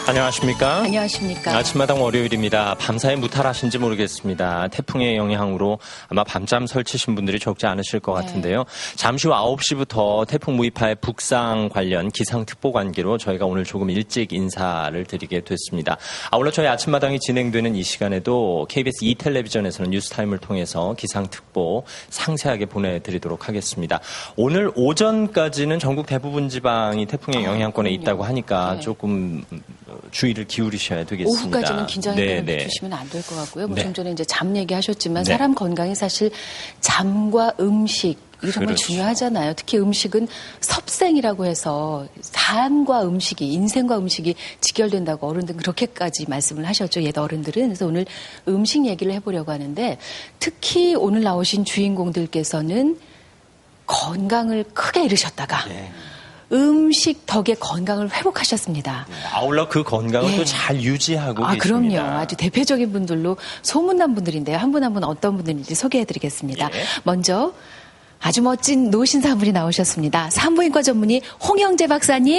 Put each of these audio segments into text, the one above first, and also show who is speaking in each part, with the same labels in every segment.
Speaker 1: 안녕하십니까?
Speaker 2: 안녕하십니까?
Speaker 1: 아침마당 월요일입니다. 밤사이 무탈하신지 모르겠습니다. 태풍의 영향으로 아마 밤잠 설치신 분들이 적지 않으실 것 같은데요. 잠시 후 9시부터 태풍 무이파의 북상 관련 기상특보 관계로 저희가 오늘 조금 일찍 인사를 드리게 됐습니다. 아울러 저희 아침마당이 진행되는 이 시간에도 KBS 2텔레비전에서는 뉴스타임을 통해서 기상특보 상세하게 보내드리도록 하겠습니다. 오늘 오전까지는 전국 대부분 지방이 태풍의 영향권에 있다고 하니까 조금 주의를 기울이셔야 되겠습니다.
Speaker 2: 오후까지는 긴장을 늦추시면 안 될 것 같고요. 좀 전에 이제 잠 얘기하셨지만 사람 건강이 사실 잠과 음식 이게 정말 중요하잖아요. 특히 음식은 섭생이라고 해서 산과 음식이 인생과 음식이 직결된다고 어른들 그렇게까지 말씀을 하셨죠. 옛 어른들은. 그래서 오늘 음식 얘기를 해보려고 하는데 특히 오늘 나오신 주인공들께서는 건강을 크게 잃으셨다가 음식 덕에 건강을 회복하셨습니다.
Speaker 1: 아울러 그 건강을 또 잘 유지하고 계십니다.
Speaker 2: 그럼요. 아주 대표적인 분들로 소문난 분들인데요. 한 분 한 분 어떤 분들인지 소개해드리겠습니다. 먼저 아주 멋진 노신사 한 분이 나오셨습니다. 산부인과 전문의 홍영재 박사님.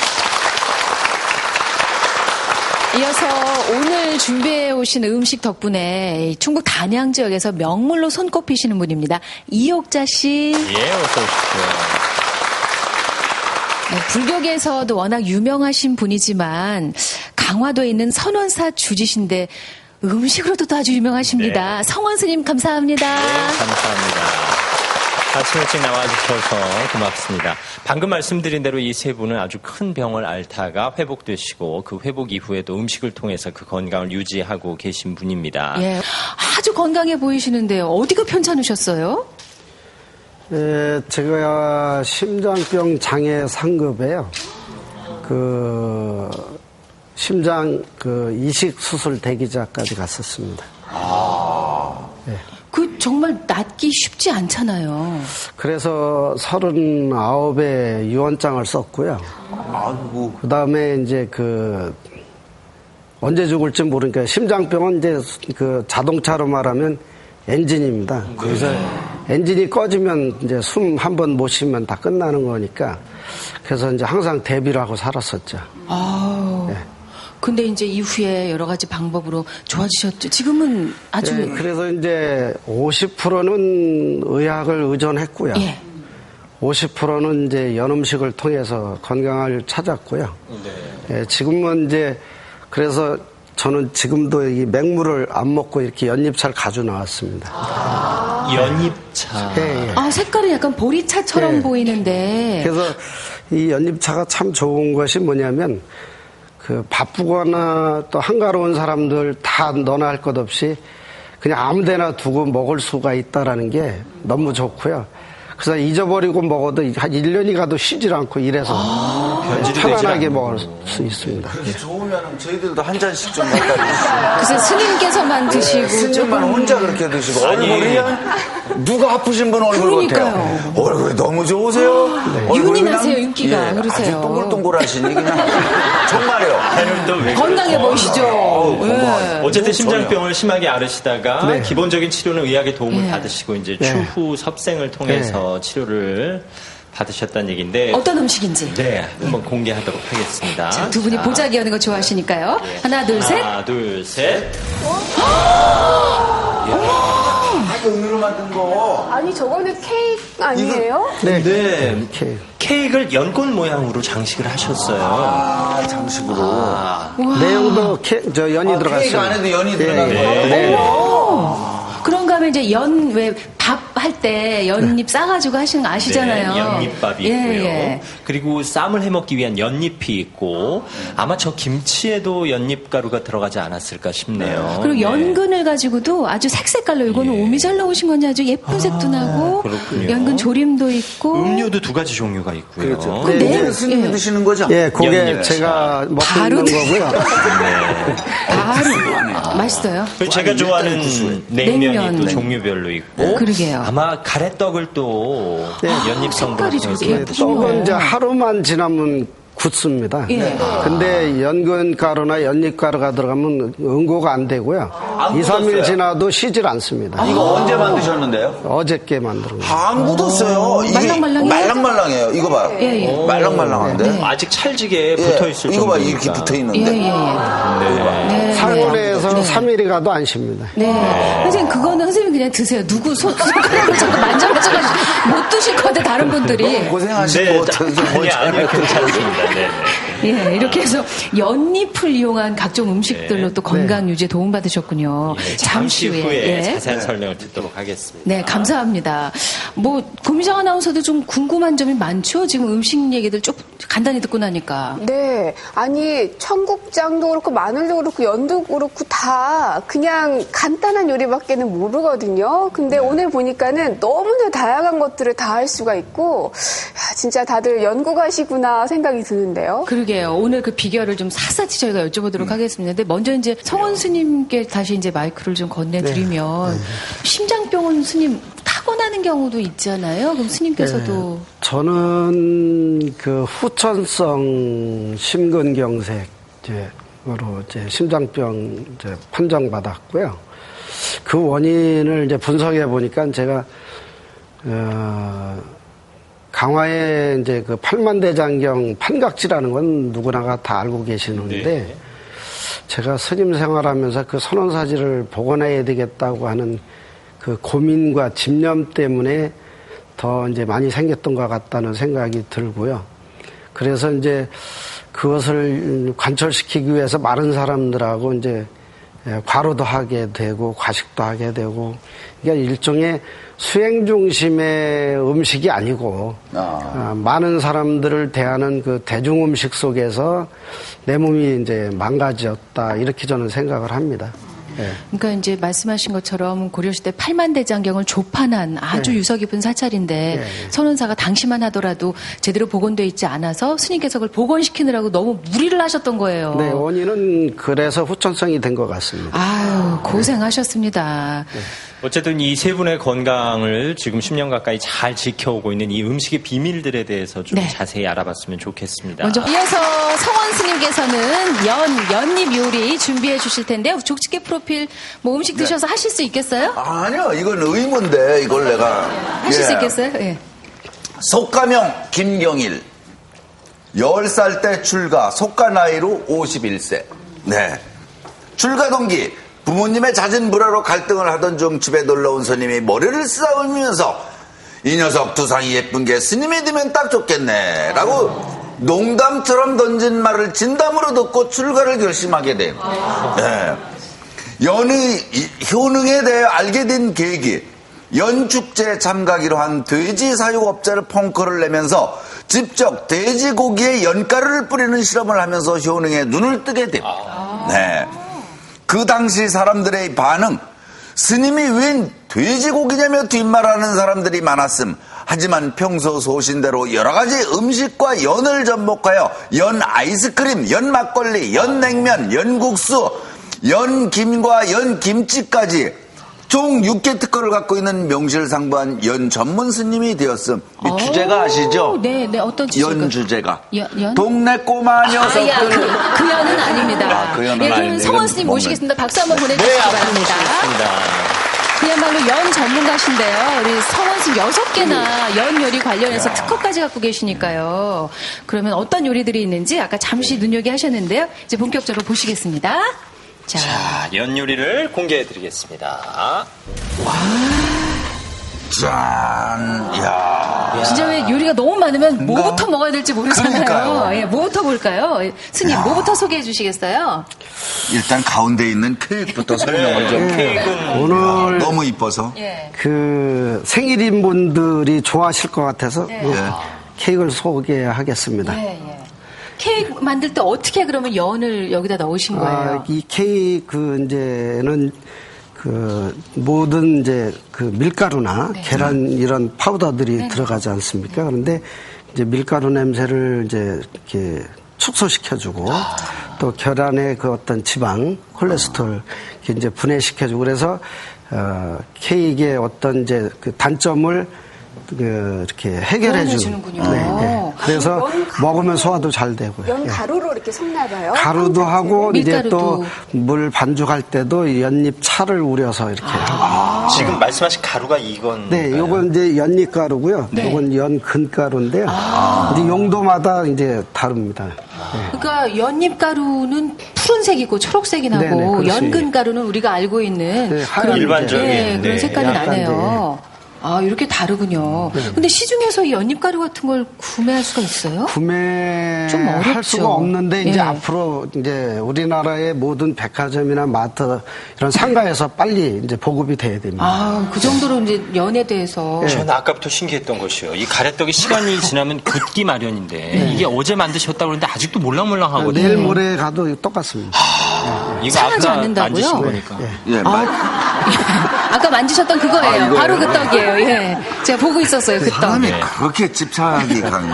Speaker 2: 이어서 오늘 준비해 오신 음식 덕분에 충북 단양 지역에서 명물로 손꼽히시는 분입니다. 이옥자 씨.
Speaker 1: 예, 어서 오십시오.
Speaker 2: 불교계에서도 워낙 유명하신 분이지만 강화도에 있는 선원사 주지신데 음식으로도 아주 유명하십니다. 성원 스님 감사합니다.
Speaker 1: 네, 감사합니다. 아침 일찍 나와주셔서 고맙습니다. 방금 말씀드린 대로 이 세 분은 아주 큰 병을 앓다가 회복되시고 그 회복 이후에도 음식을 통해서 그 건강을 유지하고 계신 분입니다.
Speaker 2: 예, 아주 건강해 보이시는데요. 어디가 편찮으셨어요?
Speaker 3: 제가 심장병 장애 상급에요. 심장 이식 수술 대기자까지 갔었습니다.
Speaker 2: 그 정말 낫기 쉽지 않잖아요.
Speaker 3: 그래서 39에 유언장을 썼고요. 그 다음에 이제 언제 죽을지 모르니까 심장병은 이제 자동차로 말하면 엔진입니다. 그래서 엔진이 꺼지면 이제 숨 한 번 못 쉬면 다 끝나는 거니까 그래서 이제 항상 대비를 하고 살았었죠.
Speaker 2: 근데 이제 이후에 여러 가지 방법으로 좋아지셨죠. 지금은 아주.
Speaker 3: 그래서 이제 50%는 의학을 의존했고요. 50%는 이제 연음식을 통해서 건강을 찾았고요. 지금은 이제 그래서 저는 지금도 이 맹물을 안 먹고 이렇게 연잎차를 가지고 나왔습니다.
Speaker 1: 연잎차.
Speaker 2: 색깔은 약간 보리차처럼 보이는데.
Speaker 3: 그래서 이 연잎차가 참 좋은 것이 뭐냐면 바쁘거나 또 한가로운 사람들 다 너나 할 것 없이 그냥 아무데나 두고 먹을 수가 있다라는 게 너무 좋고요. 그래서 잊어버리고 먹어도 한 1년이 가도 쉬질 않고 이래서 편안하게 먹을 수 있습니다.
Speaker 4: 그래서 좋으면 저희들도 한 잔씩 좀 갖다 주시고.
Speaker 2: 글쎄 스님께서만 드시고.
Speaker 4: 스님만 혼자 그렇게 드시고. 얼굴이 누가 아프신 분 얼굴 같아요. 얼굴이 너무 좋으세요.
Speaker 2: 윤이 나세요, 윤기가. 그러세요.
Speaker 4: 아주 동글동글하시니 그냥. 정말요.
Speaker 2: 건강해 보이시죠.
Speaker 1: 어쨌든 심장병을 심하게 앓으시다가 기본적인 치료는 의학의 도움을 받으시고 이제 추후 섭생을 통해서 치료를 받으셨다는 얘기인데
Speaker 2: 어떤 음식인지
Speaker 1: 한번 공개하도록 하겠습니다.
Speaker 2: 자, 두 분이 보자기 하는 거 좋아하시니까요. 하나, 둘, 셋.
Speaker 1: 하나, 둘, 셋.
Speaker 4: 은으로 만든 거.
Speaker 5: 아니 저거는 케이크 아니에요?
Speaker 1: 네. 케이크를 연꽃 모양으로 장식을 하셨어요.
Speaker 4: 장식으로.
Speaker 3: 내용도 연이 들어갔어요.
Speaker 4: 케이크 안에도 연이 들어간 거.
Speaker 2: 그런가 하면 이제 밥 할 때 연잎 싸가지고 하시는 거 아시잖아요.
Speaker 1: 연잎밥이 있고요. 그리고 쌈을 해먹기 위한 연잎이 있고 아마 저 김치에도 연잎가루가 들어가지 않았을까 싶네요.
Speaker 2: 그리고 연근을 가지고도 아주 색색깔로 이거는 오미 잘 나오신 건지 아주 예쁜 색도 나고
Speaker 1: 그렇군요.
Speaker 2: 연근 조림도 있고
Speaker 1: 음료도 두 가지 종류가 있고요.
Speaker 4: 그렇죠. 이제 스님이 드시는 거죠?
Speaker 3: 그게
Speaker 1: 연잎차.
Speaker 3: 제가 먹고 있는 거고요.
Speaker 2: 바로 맛있어요.
Speaker 1: 제가 좋아하는 냉면이 또 종류별로 있고
Speaker 2: 그러게요.
Speaker 1: 아마 가래떡을 또 연잎성분을 통해서
Speaker 3: 떡은 이제 하루만 지나면 굳습니다. 근데 연근가루나 연잎가루가 들어가면 응고가 안 되고요. 2, 3일 지나도 쉬질 않습니다.
Speaker 4: 이거 언제 만드셨는데요?
Speaker 3: 어저께 만든 거예요.
Speaker 4: 안 굳었어요. 이게 말랑말랑해요. 이거 봐요.
Speaker 2: 예.
Speaker 4: 말랑말랑한데.
Speaker 1: 네. 아직 찰지게 붙어 있을
Speaker 4: 이거 봐,
Speaker 1: 정도니까.
Speaker 4: 이렇게 붙어 있는데.
Speaker 2: 네.
Speaker 3: 8분에서 3일이 가도 안 쉽니다.
Speaker 2: 네. 선생님, 그거는 선생님 그냥 드세요. 누구 손가락을 자꾸 만져가지고 못 드실 것 같아, 다른 분들이.
Speaker 4: 고생하시고.
Speaker 1: 아니요, 괜찮습니다. 네.
Speaker 2: 예, 이렇게 해서 연잎을 이용한 각종 음식들로 또 건강 유지에 도움받으셨군요.
Speaker 1: 잠시 후에
Speaker 2: 예.
Speaker 1: 자세한 설명을 듣도록 하겠습니다.
Speaker 2: 네, 감사합니다. 고미정 아나운서도 좀 궁금한 점이 많죠? 지금 음식 얘기들 좀 간단히 듣고 나니까.
Speaker 5: 네. 아니, 청국장도 그렇고, 마늘도 그렇고, 연도 그렇고, 다 그냥 간단한 요리밖에는 모르거든요. 근데 오늘 보니까는 너무나 다양한 것들을 다 할 수가 있고, 야, 진짜 다들 연구가시구나 생각이 드는데요.
Speaker 2: 그러게요. 오늘 그 비결을 좀 샅샅이 저희가 여쭤보도록 하겠습니다. 근데 먼저 이제 성원 스님께 다시 이제 마이크를 좀 건네드리면, 심장병은 스님 타고나는 경우도 있잖아요. 그럼 스님께서도.
Speaker 3: 네, 저는 그 후천성 심근경색으로 이제 심장병 이제 판정받았고요. 그 원인을 이제 분석해 보니까 제가 강화에 이제 그 팔만대장경 판각지라는 건 누구나가 다 알고 계시는데
Speaker 1: 네.
Speaker 3: 제가 스님 생활하면서 그 선원사지를 복원해야 되겠다고 하는 그 고민과 집념 때문에 더 이제 많이 생겼던 것 같다는 생각이 들고요. 그래서 이제 그것을 관철시키기 위해서 많은 사람들하고 이제 과로도 하게 되고 과식도 하게 되고 이게 일종의 수행 중심의 음식이 아니고 많은 사람들을 대하는 그 대중 음식 속에서 내 몸이 이제 망가졌다 이렇게 저는 생각을 합니다. 네.
Speaker 2: 그러니까 이제 말씀하신 것처럼 고려시대 팔만대장경을 조판한 아주 유서 깊은 사찰인데 선원사가 당시만 하더라도 제대로 복원되어 있지 않아서 스님께서 그걸 복원시키느라고 너무 무리를 하셨던 거예요.
Speaker 3: 네, 원인은 그래서 후천성이 된 것 같습니다.
Speaker 2: 아유, 고생하셨습니다.
Speaker 3: 네.
Speaker 1: 어쨌든 이 세 분의 건강을 지금 10년 가까이 잘 지켜오고 있는 이 음식의 비밀들에 대해서 좀 자세히 알아봤으면 좋겠습니다.
Speaker 2: 먼저 이어서 성원 스님께서는 연잎 요리 준비해 주실 텐데요. 족치게 프로필 음식 드셔서 하실 수 있겠어요?
Speaker 4: 아니요, 이건 의문데 이걸 내가
Speaker 2: 하실 수 있겠어요? 예.
Speaker 4: 속가명 김경일 10살 때 출가, 속가 나이로 51세. 네. 출가 동기 부모님의 잦은 불화로 갈등을 하던 중 집에 놀러온 스님이 머리를 쓰다듬으면서 이 녀석 두상이 예쁜 게 스님이 되면 딱 좋겠네 라고 농담처럼 던진 말을 진담으로 듣고 출가를 결심하게 된 연의 효능에 대해 알게 된 계기, 연축제에 참가하기로 한 돼지 사육업자를 펑크를 내면서 직접 돼지고기에 연가루를 뿌리는 실험을 하면서 효능에 눈을 뜨게 됩니다. 네. 그 당시 사람들의 반응, 스님이 웬 돼지고기냐며 뒷말하는 사람들이 많았음. 하지만 평소 소신대로 여러 가지 음식과 연을 접목하여 연 아이스크림, 연 막걸리, 연 냉면, 연 국수, 연 김과 연 김치까지 총 6개 특허를 갖고 있는 명실상부한 연 전문 스님이 되었음. 이 주제가 아시죠?
Speaker 2: 네, 어떤 주제가?
Speaker 4: 연 주제가.
Speaker 2: 연?
Speaker 4: 동네 꼬마 녀석들.
Speaker 2: 그 연은 아닙니다.
Speaker 4: 그 연은
Speaker 2: 그럼
Speaker 4: 아닌데.
Speaker 2: 성원 스님 모시겠습니다. 박수 한번 보내주시기 바랍니다. 그야말로 연 전문가신데요. 우리 성원 스님 6개나 연 요리 관련해서 특허까지 갖고 계시니까요. 그러면 어떤 요리들이 있는지 아까 잠시 눈요기하셨는데요. 이제 본격적으로 보시겠습니다.
Speaker 1: 자, 연 요리를 공개해드리겠습니다.
Speaker 4: 짠, 야.
Speaker 2: 진짜 왜 요리가 너무 많으면 뭐부터 먹어야 될지 모르잖아요.
Speaker 4: 그러니까요.
Speaker 2: 예, 뭐부터 볼까요? 스님, 뭐부터 소개해 주시겠어요?
Speaker 4: 일단 가운데 있는 케이크부터 설명을 좀.
Speaker 3: 오늘
Speaker 4: 너무 이뻐서.
Speaker 3: 그 생일인 분들이 좋아하실 것 같아서 케이크를 소개하겠습니다.
Speaker 2: 케이크 만들 때 어떻게 그러면 연을 여기다 넣으신 거예요?
Speaker 3: 이 케이크 이제는 그 모든 이제 그 밀가루나 계란 이런 파우더들이 들어가지 않습니까? 그런데 이제 밀가루 냄새를 이제 이렇게 축소시켜주고 또 계란의 그 어떤 지방, 콜레스테롤 이제 분해시켜주고 그래서 케이크의 어떤 이제 그 단점을 이렇게 해결해 주는군요. 그래서 먹으면 소화도 잘 되고요.
Speaker 5: 연 가루로 이렇게 섞나 봐요.
Speaker 3: 가루도 하고 이제
Speaker 2: 밀가루도.
Speaker 3: 또 물 반죽할 때도 연잎 차를 우려서 이렇게 하고.
Speaker 1: 지금 말씀하신 가루가 이건.
Speaker 3: 네, 요건 이제 연잎 가루고요. 요건 연근가루인데요. 이제 용도마다 이제 다릅니다. 네.
Speaker 2: 그러니까 연잎가루는 푸른색이고 초록색이 나고
Speaker 3: 네네, 그렇습니다.
Speaker 2: 연근가루는 우리가 알고 있는
Speaker 3: 네, 하얀
Speaker 2: 그런
Speaker 1: 일반적인,
Speaker 2: 그런
Speaker 1: 네,
Speaker 2: 색깔이
Speaker 3: 약간
Speaker 2: 나네요. 아, 이렇게 다르군요. 근데 시중에서 이 연잎가루 같은 걸 구매할 수가 있어요? 좀
Speaker 3: 구매할
Speaker 2: 어렵죠.
Speaker 3: 수가 없는데 이제
Speaker 2: 예.
Speaker 3: 앞으로 이제 우리나라의 모든 백화점이나 마트 이런 상가에서 빨리 이제 보급이 돼야 됩니다.
Speaker 2: 아, 그 정도로 이제 연에 대해서.
Speaker 1: 저는 아까부터 신기했던 것이요. 이 가래떡이 시간이 지나면 굳기 마련인데 이게 어제 만드셨다고 그러는데 아직도 몰랑몰랑하거든요.
Speaker 3: 내일 모레 가도 똑같습니다.
Speaker 1: 이거
Speaker 2: 상하지
Speaker 1: 아까
Speaker 2: 않는다고요?
Speaker 1: 만드신 거니까.
Speaker 4: 예,
Speaker 2: 아까 만지셨던 그거예요. 바로 그 떡이에요. 예. 제가 보고 있었어요. 그 떡.
Speaker 4: 사람이 그렇게 집착이 강해요.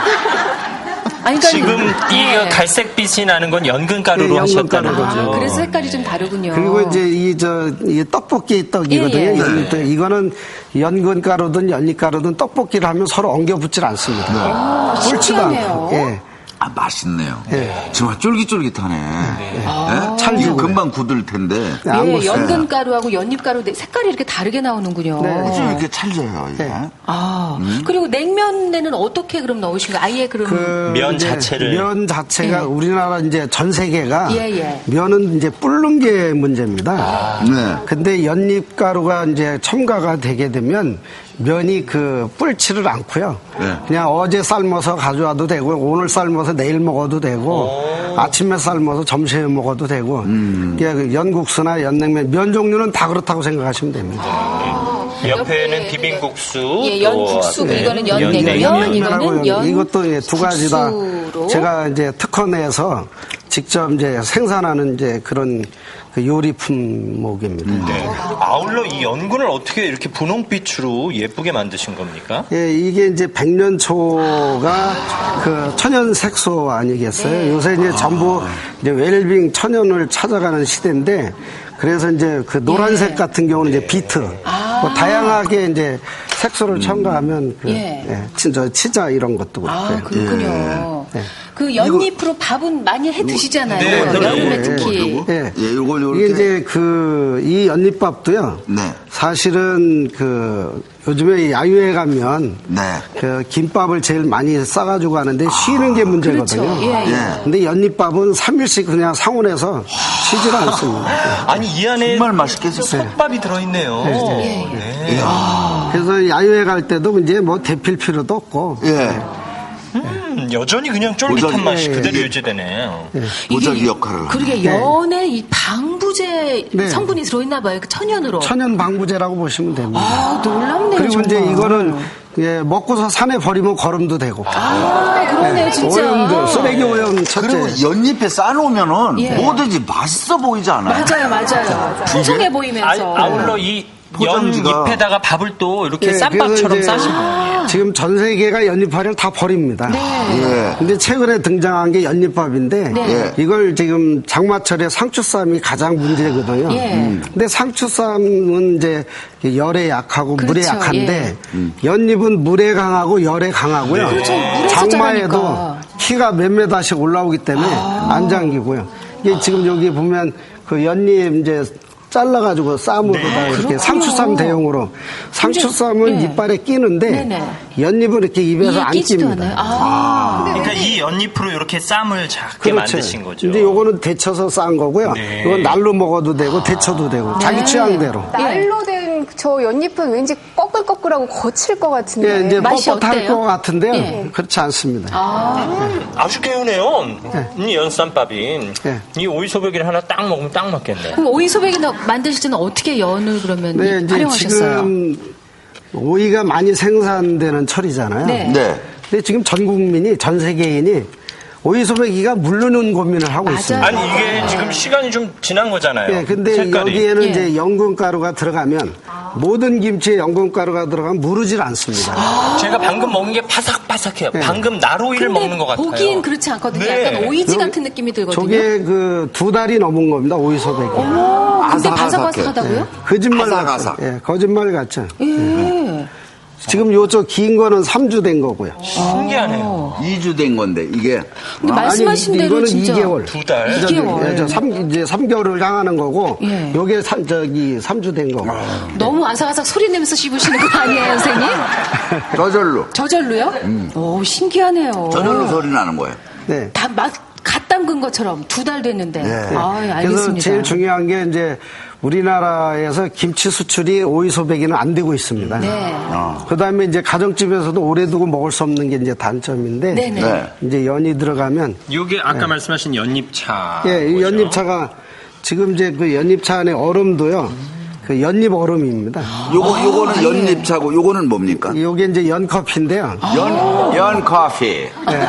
Speaker 2: 아니, 그러니까
Speaker 1: 지금
Speaker 2: 예.
Speaker 1: 이 갈색빛이 나는 건 연근가루로
Speaker 3: 네,
Speaker 1: 하셨다는
Speaker 3: 연근가루죠.
Speaker 1: 거죠.
Speaker 2: 그래서 색깔이 좀 다르군요.
Speaker 3: 그리고 이제 이 떡볶이 떡이거든요.
Speaker 2: 예, 예.
Speaker 3: 연잎떡. 이거는 연근가루든 연잎가루든 떡볶이를 하면 서로 엉겨붙질 않습니다. 꿀지도
Speaker 2: 신기하네요.
Speaker 3: 않고. 예.
Speaker 4: 아, 맛있네요.
Speaker 3: 네.
Speaker 4: 정말 쫄깃쫄깃하네. 예? 찰기고 금방 굳을 텐데.
Speaker 3: 네, 안
Speaker 2: 예,
Speaker 3: 먹어요.
Speaker 2: 연근가루하고 연잎가루 색깔이 이렇게 다르게 나오는군요.
Speaker 3: 네.
Speaker 4: 어째 이렇게 찰져요, 이게?
Speaker 3: 네.
Speaker 2: 아, 그리고 냉면에는 어떻게 그럼 넣으신 거예요? 아예 그럼.
Speaker 1: 면
Speaker 3: 이제
Speaker 1: 자체를.
Speaker 3: 면 자체가
Speaker 2: 예.
Speaker 3: 우리나라 이제 전 세계가
Speaker 2: 예, 예.
Speaker 3: 면은 이제 불는 게 문제입니다.
Speaker 4: 네.
Speaker 3: 근데 연잎가루가 이제 첨가가 되게 되면 면이 그 불지를 않고요.
Speaker 4: 네.
Speaker 3: 그냥 어제 삶아서 가져와도 되고 오늘 삶아서 내일 먹어도 되고 아침에 삶아서 점심에 먹어도 되고 그냥 연국수나 연냉면 면 종류는 다 그렇다고 생각하시면 됩니다.
Speaker 1: 옆에는 비빔국수,
Speaker 2: 예,
Speaker 1: 또
Speaker 2: 연국수,
Speaker 1: 네,
Speaker 2: 이거는 연냉면,
Speaker 1: 연냉면.
Speaker 2: 이거는 연
Speaker 3: 이것도 예, 두 가지 다
Speaker 2: 국수로.
Speaker 3: 제가 이제 특허 내서 직접 이제 생산하는 이제 그런 그 요리 품목입니다.
Speaker 1: 네. 아울러 이 연근을 어떻게 이렇게 분홍빛으로 예쁘게 만드신 겁니까?
Speaker 3: 예, 이게 이제 백년초가 그 천연 색소 아니겠어요? 요새 이제 전부 이제 웰빙 천연을 찾아가는 시대인데 그래서 이제 그 노란색 같은 경우는 이제 비트 뭐 다양하게 이제 색소를 첨가하면 그 진짜 치자 이런 것도 그렇고요.
Speaker 2: 아, 그렇군요.
Speaker 3: 예.
Speaker 2: 그 연잎으로 밥은 많이 해 드시잖아요.
Speaker 1: 네,
Speaker 2: 여름에
Speaker 3: 예,
Speaker 2: 특히.
Speaker 3: 예.
Speaker 4: 예, 요걸 요렇게.
Speaker 3: 이게 이제 이 연잎밥도요.
Speaker 4: 네.
Speaker 3: 사실은 요즘에 야유회 가면
Speaker 4: 네.
Speaker 3: 그 김밥을 제일 많이 싸가지고 가는데 쉬는 게 문제거든요.
Speaker 2: 그렇죠. 예, 예.
Speaker 3: 근데 연잎밥은 3일씩 그냥 상온에서 쉬질 않습니다.
Speaker 1: 아니 이 안에
Speaker 4: 정말 맛있겠어요.
Speaker 1: 솥밥이 들어있네요. 네.
Speaker 3: 그래서 야유회 갈 때도 이제 뭐 데필 필요도 없고.
Speaker 4: 예.
Speaker 1: 여전히 그냥 쫄깃한
Speaker 4: 도자기.
Speaker 1: 맛이
Speaker 3: 예,
Speaker 1: 그대로
Speaker 3: 예.
Speaker 1: 유지되네요.
Speaker 4: 도자기 역할을.
Speaker 2: 그러게 연에 이 방부제
Speaker 3: 네.
Speaker 2: 성분이 들어있나 봐요. 그 천연으로.
Speaker 3: 천연 방부제라고 보시면 됩니다.
Speaker 2: 아, 놀랍네요.
Speaker 3: 그리고
Speaker 2: 정말.
Speaker 3: 이제 이거는 먹고서 산에 버리면 거름도 되고.
Speaker 2: 아, 그러네요, 진짜.
Speaker 3: 오염도, 쓰레기 오염 첫째.
Speaker 4: 그리고 연잎에 싸놓으면은
Speaker 2: 예.
Speaker 4: 뭐든지 맛있어 보이지 않아요?
Speaker 2: 맞아요. 풍성해 보이면서.
Speaker 1: 아울러 이
Speaker 4: 포장지가-
Speaker 1: 연잎에다가 밥을 또 이렇게
Speaker 3: 예,
Speaker 1: 쌈밥처럼
Speaker 3: 그래서 이제
Speaker 1: 싸신 거예요.
Speaker 3: 지금 전 세계가 연잎밥을 다 버립니다.
Speaker 4: 예.
Speaker 3: 근데 최근에 등장한 게 연잎밥인데
Speaker 4: 네.
Speaker 3: 이걸 지금 장마철에 상추쌈이 가장 문제거든요.
Speaker 2: 예.
Speaker 3: 근데 상추쌈은 이제 열에 약하고 물에
Speaker 2: 그렇죠.
Speaker 3: 약한데 연잎은 물에 강하고 열에 강하고요.
Speaker 2: 그렇죠. 물에서
Speaker 3: 장마에도
Speaker 2: 자라니까.
Speaker 3: 키가 몇 메다씩 올라오기 때문에 안 잠기고요. 이게 지금 여기 보면 그 연잎 이제 잘라가지고 쌈으로다 이렇게
Speaker 2: 그렇군요.
Speaker 3: 상추쌈 대용으로 상추쌈은
Speaker 2: 예.
Speaker 3: 이빨에 끼는데
Speaker 2: 네네.
Speaker 3: 연잎은 이렇게 입에서
Speaker 2: 이게
Speaker 3: 안
Speaker 2: 끼지도
Speaker 3: 낍니다.
Speaker 2: 않아요.
Speaker 1: 그러니까 이 연잎으로 이렇게 쌈을 작게
Speaker 3: 그렇죠.
Speaker 1: 만드신 거죠.
Speaker 3: 근데 요거는 데쳐서 싼 거고요.
Speaker 1: 네.
Speaker 3: 이건 날로 먹어도 되고 데쳐도 되고 자기 취향대로.
Speaker 5: 날로 된 저 연잎은 왠지 꺼끌꺼끌하고 거칠 것 같은데.
Speaker 3: 예, 이제
Speaker 2: 맛이
Speaker 3: 뻣뻣할
Speaker 2: 어때요?
Speaker 3: 것 같은데요.
Speaker 2: 예.
Speaker 3: 그렇지 않습니다.
Speaker 1: 아주 개운해요. 이 연쌈밥이.
Speaker 3: 네.
Speaker 1: 이 오이소백이를 하나 딱 먹으면 딱 맞겠네.
Speaker 2: 그럼 오이소백이 만드실 때는 어떻게 연을 그러면
Speaker 3: 네, 이제
Speaker 2: 활용하셨어요?
Speaker 3: 지금 오이가 많이 생산되는 철이잖아요.
Speaker 2: 네.
Speaker 4: 네.
Speaker 3: 근데 지금 전 국민이 전 세계인이 오이소백이가 물르는 고민을 하고
Speaker 2: 맞아요.
Speaker 3: 있습니다.
Speaker 1: 아니 이게 지금 시간이 좀 지난 거잖아요.
Speaker 3: 예, 근데
Speaker 1: 색깔이.
Speaker 3: 여기에는
Speaker 2: 예.
Speaker 3: 이제 연근가루가 들어가면 모든 김치에 연근가루가 들어가면 무르질 않습니다.
Speaker 1: 제가 방금 먹은 게 바삭바삭해요.
Speaker 3: 네.
Speaker 1: 방금 나로이를
Speaker 2: 근데
Speaker 1: 먹는 것 같아요.
Speaker 2: 보기엔 그렇지 않거든요.
Speaker 1: 네.
Speaker 2: 약간 오이지 같은 느낌이 들거든요.
Speaker 3: 저게 그 2달이 넘은 겁니다, 오이소백이.
Speaker 2: 근데
Speaker 4: 아삭아삭해.
Speaker 2: 바삭바삭하다고요?
Speaker 3: 거짓말
Speaker 4: 아삭아삭.
Speaker 3: 같죠. 예, 거짓말 같죠.
Speaker 2: 예.
Speaker 3: 지금 요쪽 긴 거는 3주 된 거고요.
Speaker 1: 신기하네요.
Speaker 4: 2주 된 건데 이게
Speaker 2: 근데 말씀하신 대로
Speaker 3: 이거는
Speaker 2: 진짜
Speaker 3: 2개월.
Speaker 1: 2달.
Speaker 2: 2개월.
Speaker 3: 이제 3개월을 향하는 거고,
Speaker 2: 예.
Speaker 3: 요게 3주 된 거고.
Speaker 2: 너무 아삭아삭 소리 내면서 씹으시는 거 아니에요, 선생님?
Speaker 4: 저절로.
Speaker 2: 저절로요? 오, 신기하네요.
Speaker 4: 저절로 소리 나는 거예요.
Speaker 3: 네.
Speaker 2: 다 갓 담근 것처럼 2달 됐는데. 아,
Speaker 3: 그래서
Speaker 2: 알겠습니다.
Speaker 3: 제일 중요한 게 이제 우리나라에서 김치 수출이 오이 소배기는 안 되고 있습니다.
Speaker 2: 네.
Speaker 3: 그 다음에 이제 가정집에서도 오래 두고 먹을 수 없는 게 이제 단점인데.
Speaker 2: 네네.
Speaker 4: 네.
Speaker 3: 이제 연이 들어가면.
Speaker 1: 이게 아까 말씀하신 연잎차.
Speaker 3: 예, 이 연잎차가 지금 이제 그 연잎차 안에 얼음도요. 그 연잎 얼음입니다.
Speaker 4: 요거는 연잎차고 요거는 뭡니까?
Speaker 3: 요게 이제 연커피인데요.
Speaker 4: 연 커피.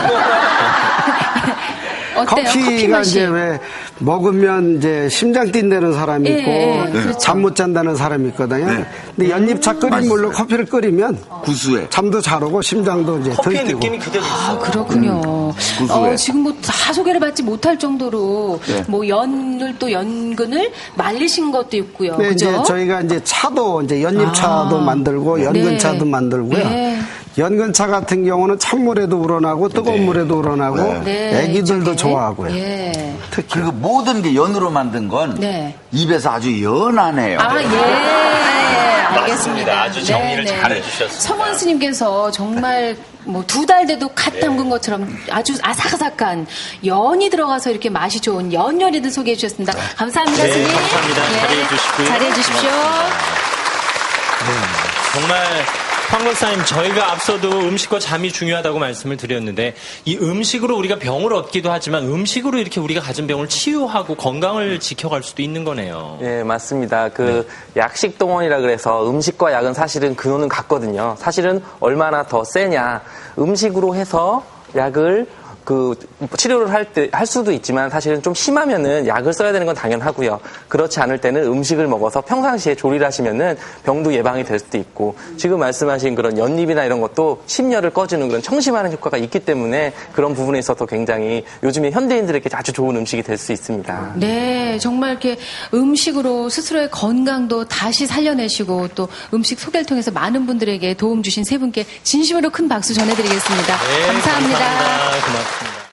Speaker 2: 어때요? 커피
Speaker 3: 커피가
Speaker 2: 맛이?
Speaker 3: 이제 왜 먹으면 이제 심장 뛴다는 사람이 있고
Speaker 2: 그렇죠.
Speaker 3: 잠 못 잔다는 사람이 있거든요.
Speaker 4: 네.
Speaker 3: 근데 연잎차 끓인 물로 커피를 끓이면
Speaker 4: 구수해.
Speaker 3: 잠도 잘 오고 심장도 이제 덜
Speaker 1: 커피의
Speaker 3: 뛰고.
Speaker 1: 느낌이 그대로 있어요.
Speaker 2: 그렇군요.
Speaker 4: 구수해.
Speaker 2: 지금 뭐 다 소개를 받지 못할 정도로
Speaker 4: 네.
Speaker 2: 뭐 연을 또 연근을 말리신 것도 있고요.
Speaker 3: 네,
Speaker 2: 그죠?
Speaker 3: 이제 저희가 이제 차도 이제 연잎차도 만들고 연근차도
Speaker 2: 네.
Speaker 3: 만들고요.
Speaker 2: 네.
Speaker 3: 연근차 같은 경우는 찬물에도 우러나고 뜨거운 물에도 우러나고
Speaker 2: 네,
Speaker 3: 애기들도
Speaker 2: 이쪽에.
Speaker 3: 좋아하고요.
Speaker 2: 예.
Speaker 3: 특히
Speaker 4: 그리고 모든 게 연으로 만든 건
Speaker 2: 네.
Speaker 4: 입에서 아주 연하네요.
Speaker 2: 아, 예. 알겠습니다.
Speaker 1: 아주 정리를
Speaker 2: 네네.
Speaker 1: 잘 해주셨습니다.
Speaker 2: 성원 스님께서 정말 뭐 2달 돼도 갓 담근 것처럼 아주 아삭아삭한 연이 들어가서 이렇게 맛이 좋은 연요리들 소개해 주셨습니다. 감사합니다,
Speaker 1: 네,
Speaker 2: 스님.
Speaker 1: 감사합니다. 자리해 주시고요.
Speaker 2: 자리해 주십시오.
Speaker 1: 정말 황 박사님, 저희가 앞서도 음식과 잠이 중요하다고 말씀을 드렸는데 이 음식으로 우리가 병을 얻기도 하지만 음식으로 이렇게 우리가 가진 병을 치유하고 건강을 지켜갈 수도 있는 거네요.
Speaker 6: 예, 맞습니다. 약식 동원이라 그래서 음식과 약은 사실은 근원은 같거든요. 사실은 얼마나 더 세냐. 음식으로 해서 약을 치료를 할 수도 있지만 사실은 좀 심하면은 약을 써야 되는 건 당연하고요. 그렇지 않을 때는 음식을 먹어서 평상시에 조리를 하시면은 병도 예방이 될 수도 있고 지금 말씀하신 그런 연잎이나 이런 것도 심열을 꺼주는 그런 청심하는 효과가 있기 때문에 그런 부분에 있어서 굉장히 요즘에 현대인들에게 아주 좋은 음식이 될 수 있습니다.
Speaker 2: 네, 정말 이렇게 음식으로 스스로의 건강도 다시 살려내시고 또 음식 소개를 통해서 많은 분들에게 도움 주신 세 분께 진심으로 큰 박수 전해드리겠습니다.
Speaker 1: 네,
Speaker 2: 감사합니다.
Speaker 1: 감사합니다. 고맙습니다.